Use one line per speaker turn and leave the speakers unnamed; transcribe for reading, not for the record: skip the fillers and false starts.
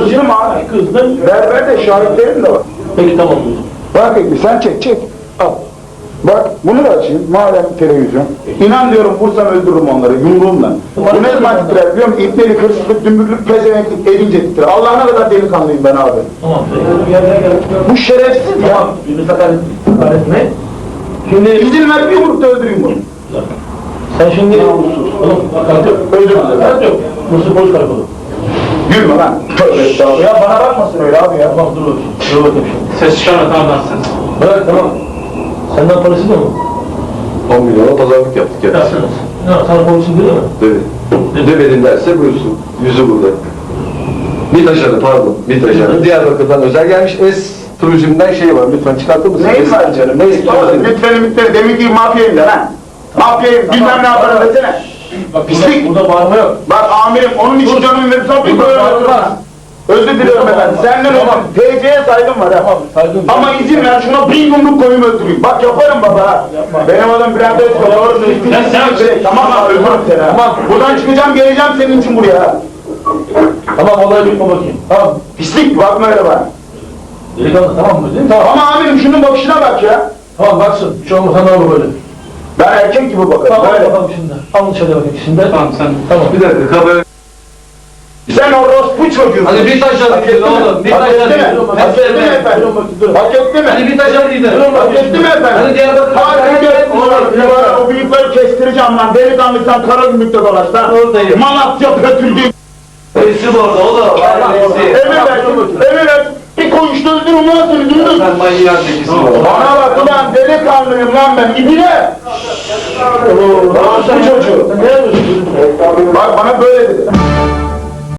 Kızdım abi.
Kızdın.
Berber de şahitlerim de var.
Peki tamam.
Bak bir sen çek. Al. Bak bunu da açayım. Madem televizyon. İnan diyorum vursam öldürürüm onları yumruğumla. Bu ne zaman titrer biliyor musun? İpnelik, hırsızlık, dümbürlük, pezevenklik edince titrer. Allah'ına kadar delikanlıyım ben abi.
Tamam.
Bu şerefsiz ya.
Tamam. Yunus hakaret ne? Şimdi
İzin ver bir yumrukta öldüreyim bunu.
sen şimdi oğlum
Özür dilerim.
hakaret yok. Bursa polis karakolu.
Gülme lan. Tövbe estağfurullah. Ya bana bakmasın öyle abi ya.
Tamam dur bakayım. Dur bakayım şimdi.
Ses çıkarma tamam lan sen.
Bırak tamam. Senden parası da mı?
10 milyona pazarlık yaptık ya.
Yapsınız. Ne var? Sana polisin değil mi?
Dedi. Demedin derse buyursun. Yüzü burada. MİT ajanı pardon. MİT ajanı. Diyarbakır'dan özel gelmiş. Turizm'den şey var. Lütfen çıkartır mısın?
Neyin var canım?
Neyin
Oğlum lütfen demin ki mafyayım da lan. Mafyayım bilmem ne yaparım desene.
Bak
Pislik.
burada bağırma yok.
Bak amirim onun için canımı verirsem bir böyle öldürmez. Özür diliyorum efendim. Senden olmam. TC'ye saygım var ha.
Tamam saygın.
Ama izin ver şuna bir yumruk koyayım öldüreyim. Bak yaparım baba ha. Benim adım Bülent Özkök. Doğru söylüyorsun. Tamam abi öldürürüm seni ha.
Tamam.
Buradan çıkacağım geleceğim senin için buraya ha.
Tamam olay bitme bakayım. Tamam.
Pislik bakma öyle bana.
Delikanlı tamam mı? Değil mi? Tamam.
Ama amirim şunun bakışına bak ya.
Tamam baksın. Bir şey olmasa ne olur böyle.
Ben erkek gibi bakarım.
Tamam
Böyle.
bakalım şimdi. Alın şöyle bakayım şimdi.
Tamam sen.
Tamam.
Bir dakika kabul.
Sen orospu çocuğusun.
Hadi MİT ajanı gidin oğlum. MİT
Hak etti
ajanı
mi?
gidin.
Hak etti mi efendim? Hak etti mi?
Hadi MİT ajanı gidin.
Hak etti mi efendim?
Hadi Diyarbakır'dan.
Hadi gel. Oğlum o bıyıkları kestireceğim lan. Delikanlıysan kara gümrükte dolaş lan.
Oradayım.
Malatya pötüldü.
Resim orada oğlum.
Emir ver. Bir koyuşta öldürüm lan seni dümdüz.
Ben manyağın tekisin oğlum.
Bana bak ulan delikanlıyım lan ben. İbine. Orospu çocuğu.
Ne yapıyorsun?
Bak bana böyle dedi.